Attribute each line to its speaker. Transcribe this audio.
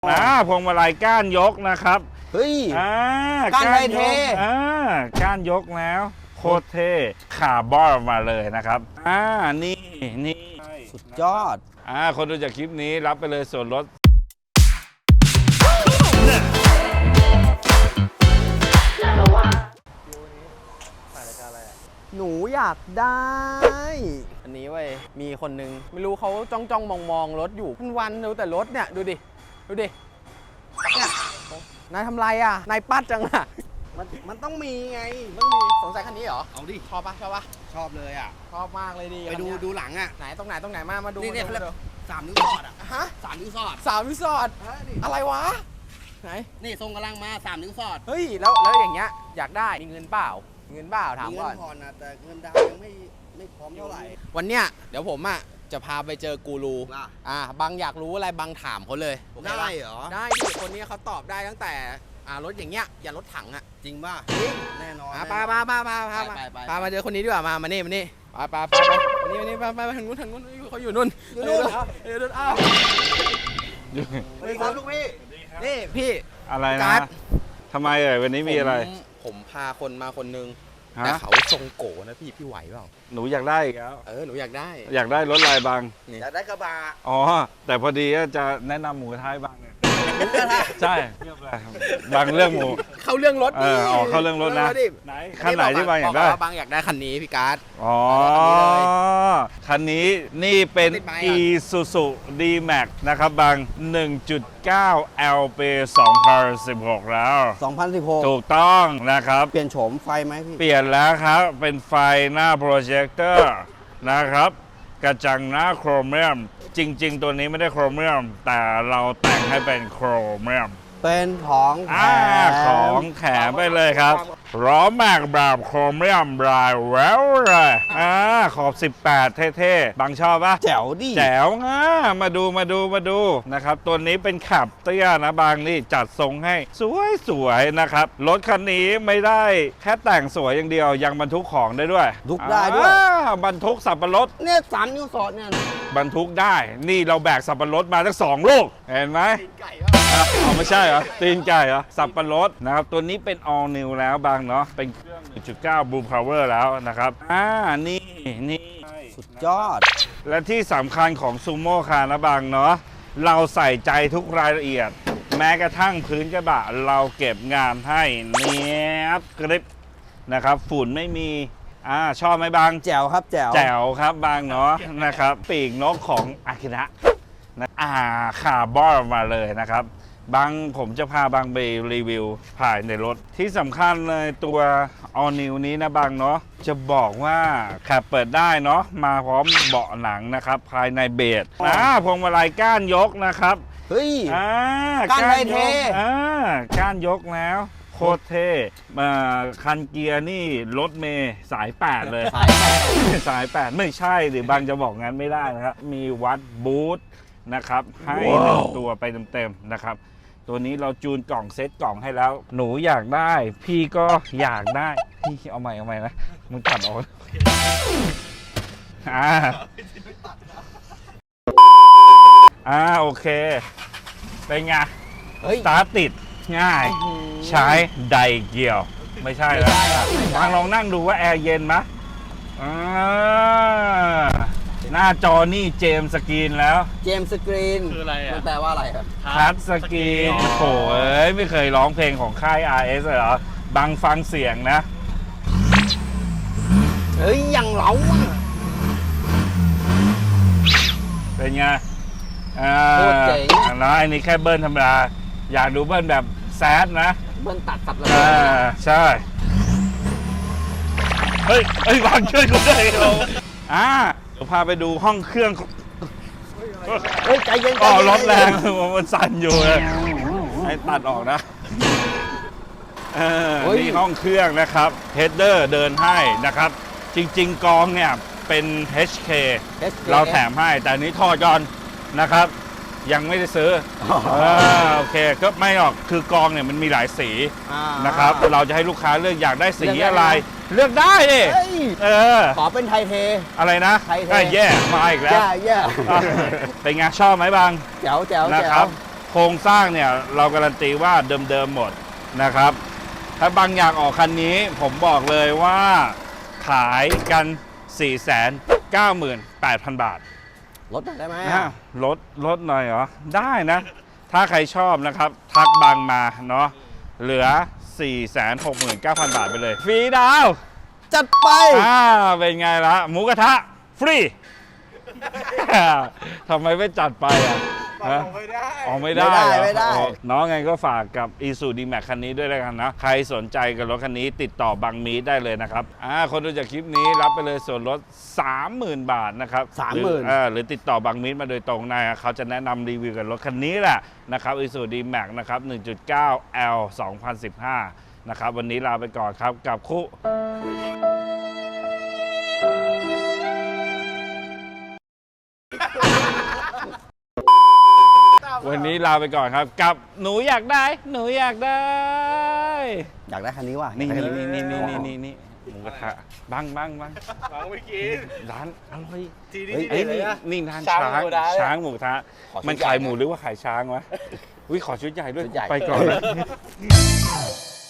Speaker 1: พวงมาลัยก้านยกนะครับ
Speaker 2: เฮ้ย
Speaker 1: ก้านไท
Speaker 2: ยเท่
Speaker 1: ก้านยกแล้วโคตรเท่คาร์บอนมาเลยนะครับนี่
Speaker 2: สุดยอด
Speaker 1: คนดูจากคลิปนี้รับไปเลยส่วนลด
Speaker 2: หนูอยากได้อันนี้เว้ยมีคนนึงไม่รู้เขาจ้องมองรถอยู่วันดูแต่รถเนี่ยดูดิเนี่ยนายทำไรอ่ะนายปัดจังอ่ะมันต้องมีไงต้องมีสงสัยคันนี้เหรอเอาดิชอบปะชอบเลยอ่ะชอบมากเลยดิไปดูหลังอ่ะไหนตรงไหนมาดูนี่3 นิ้วสอดอ่ะฮะ3 นิ้วสอดอะไรวะไหนนี่ทรงกำลังมา3 นิ้วสอดเฮ้ยแล้วอย่างเงี้ยอยากได้มีเงินเปล่าถามก่อนเงินผ่อนนะแต่เงินดาวยังไม่พร้อมเท่าไหร่วันเนี้ยเดี๋ยวผมอ่ะจะพาไปเจอกูรูบางอยากรู้อะไรบางถามเขาเลยได้เหรอได้ดิคนนี้เขาตอบได้ตั้งแต่รถอย่างเงี้ยอย่ารถถังอ่ะจริงป่ะแน่นอนพามาเจอคนนี้ดีกว่ามานี่ไปนี่ไปทางนู้นเขาอยู่นู่นอ้าวสวัสดีครับลูกพี่นี่พี่
Speaker 1: อะไรนะทำไมวันนี้มีอะไร
Speaker 2: ผมพาคนมาคนนึงแต่เขาทรงโกนะพี่ไหวเปล่า
Speaker 1: หนูอยากได้อีกแล้ว
Speaker 2: หนูอยาก
Speaker 1: ได้รถลายบาง
Speaker 2: อยากได้กระบะ
Speaker 1: แต่พอดีจะแนะนำหมูกระทะบางเนี่ยใช่บางเรื่องหมู
Speaker 2: เข้าเรื่องรถ
Speaker 1: เข้าเรื่องรถนะไหนคันไหนที่บางอยากได้
Speaker 2: บางอยากได้คันนี้พี่การ์ด
Speaker 1: คันนี้นี่เป็น Isuzu D-Max นะครับบาง 1.9 LP 2016 แล้ว
Speaker 2: 2016
Speaker 1: ถูกต้องนะครับ
Speaker 2: เปลี่ยนโฉมไฟไหมพี่
Speaker 1: เปลี่ยนแล้วครับเป็นไฟหน้าโปรเจคเตอร์นะครับกระจังหน้าโครเมียมจริงๆตัวนี้ไม่ได้โครเมียมแต่เราแต่งให้เป็นโครเมียม
Speaker 2: เป็นของ
Speaker 1: แถมไปเลยครับล้อแม็กแบบโครเมียมลายแววเลยขอบ18เท่ๆบางชอบปะ
Speaker 2: แจ๋วดิ
Speaker 1: แจ๋วมาดูนะครับตัวนี้เป็นขับเตี้ยนะบางนี่จัดทรงให้สวยนะครับรถคันนี้ไม่ได้แค่แต่งสวยอย่างเดียวยังบรรทุกของได้ด้วย
Speaker 2: ทุกได้ด้วย
Speaker 1: บรรทุกสับปะรด
Speaker 2: เนี่ย3 นิ้วสอดเนี่ย
Speaker 1: บรรทุกได้นี่เราแบกสับปะรดมาทั้ง2 ลูกเห็นไหมไม่ใช่เหรอตีนไก่เหรอสับปะรดนะครับตัวนี้เป็น all new แล้วบางเนาะเป็นเครื่อง 1.9 Blue Power แล้วนะครับนี่
Speaker 2: สุดยอด
Speaker 1: และที่สำคัญของซูโม่คาร์นะบางเนาะเราใส่ใจทุกรายละเอียดแม้กระทั่งพื้นกระบะเราเก็บงานให้เนียบกริบนะครับฝุ่นไม่มีชอบไหมบาง
Speaker 2: แจ๋วครับแจ๋
Speaker 1: วครับบางเนาะนะครับปีกนกของอากินะคาร์บอนมาเลยนะครับบางผมจะพาบางไปรีวิวภายในรถที่สำคัญเลยตัว All New นี้นะบางเนาะจะบอกว่าขับเปิดได้เนาะมาพร้อมเบาะหนังนะครับภายในเบสพวงมาลัยก้านยกนะครับ
Speaker 2: เฮ้ย
Speaker 1: ก้านเท่ก้านยกแล้วโคตรเท่คันเกียร์นี่รถเมย์สาย8เลยสาย8ไม่ใช่หรือบางจะบอกงั้นไม่ได้นะครับมีวัดบูทนะครับให้ตัวไปเต็มๆนะครับตัวนี้เราจูนกล่องเซตกล่องให้แล้วหนูอยากได้พี่ก็อยากได้พี่เอาใหม่นะมึงตัดออกโอเคเป็นไงสตาร์ทติดง่ายใช้ไดเกียวไม่ใช่แล้วลองนั่งดูว่าแอร์เย็นไหมหน้าจอนี่เจมสกรีนแล้ว
Speaker 2: เจมสกรีน
Speaker 3: คืออะไร
Speaker 2: มันแปลว่าอะไรครับ
Speaker 1: ทัชสกรีนโอ้ยไม่เคยร้องเพลงของค่าย RS เลยเหรอบังฟังเสียงนะ
Speaker 2: เฮ้ยยังเล้า
Speaker 1: เป็นไง
Speaker 2: โคตรเจ๋ง
Speaker 1: นะอันนี้แค่เบิ้ลธรรมดาอยากดูเบิ้ลแบบแซดนะ
Speaker 2: เบิ้ลตัดสับเลย
Speaker 1: ใช่เฮ้ยบางช่วยกูด้วยเดี๋ยวพาไปดูห้องเครื่อง
Speaker 2: ใจเย็น
Speaker 1: รถแรงมันสั่นอยู่เลยให้ตัดออกนะนี่ห้องเครื่องนะครับเฮดเดอร์เดินให้นะครับจริงๆกองเนี่ยเป็น HK เราแถมให้แต่นี้ทอดก่อนนะครับยังไม่ได้ซื้อโอเคก็ไม่หรอกคือกองเนี่ยมันมีหลายสีนะครับเราจะให้ลูกค้าเลือกอยากได้สีอะไรเลือกได้ดิ
Speaker 2: ขอเป็นไทยเท
Speaker 1: อะไรนะแย่มาอีกแล้วเป็นไงชอบไหมบาง
Speaker 2: แจ๋ว
Speaker 1: นะครับโครงสร้างเนี่ยเราการันตีว่าเดิมๆหมดนะครับ ถ้าบางอย่างออกคันนี้ผมบอกเลยว่าขายกัน 498,000 บาท
Speaker 2: ลดหน่อยได้ไหม
Speaker 1: ลดหน่อยเหรอ ได้นะ ถ้าใครชอบนะครับ ทักบางมาเนาะเหลือ 469,000 บาทไปเลย ฟรีดาว
Speaker 2: จัดไป
Speaker 1: เป็นไงละหมูกระทะ ฟรี ทำไมไม่จัดไปอ่ะ
Speaker 2: ไม่ได้
Speaker 1: อ๋อไม่ได้เหรอ
Speaker 2: ไม่ได้
Speaker 1: อ๋อน้องไงก็ฝากกับ Isuzu D-Max คันนี้ด้วยแล้วกันนะ ใครสนใจกับรถคันนี้ติดต่อบางมีดได้เลยนะครับคนดูจากคลิปนี้รับไปเลยส่วนลด 30,000 บาทนะครับ
Speaker 2: 30,000
Speaker 1: หรือติดต่อบางมีดมาโดยตรงนะเขาจะแนะนำรีวิวกับรถคันนี้แหละนะครับ Isuzu D-Max นะครับ 1.9L 2015 นะครับวันนี้ลาไปก่อนครับกับคู่วันนี้ลาไปก่อนครับกับหนูอยากได้หนูอยากได้
Speaker 2: อยากได้คันนี้ว่ะ
Speaker 1: นี่
Speaker 2: อยากได้คั
Speaker 1: นี่หมูกระทะบัง
Speaker 3: ไม่กิน
Speaker 1: ร้านอร่อย
Speaker 3: ที
Speaker 1: เฮ้ย
Speaker 3: นี่
Speaker 1: นี่ร้าน
Speaker 3: ช้าง
Speaker 1: ช้าง
Speaker 3: หมูกระทะ
Speaker 1: ช้างหมูกระทะ
Speaker 2: ขอชุด
Speaker 1: มัน
Speaker 2: ใหญ่
Speaker 1: ขายห
Speaker 2: นะ
Speaker 1: มูหรือว่าขายช้างวะอุ้ยขอชุดใหญ่ด้วย
Speaker 2: ชุดใหญ่
Speaker 1: ไปก่อนนะ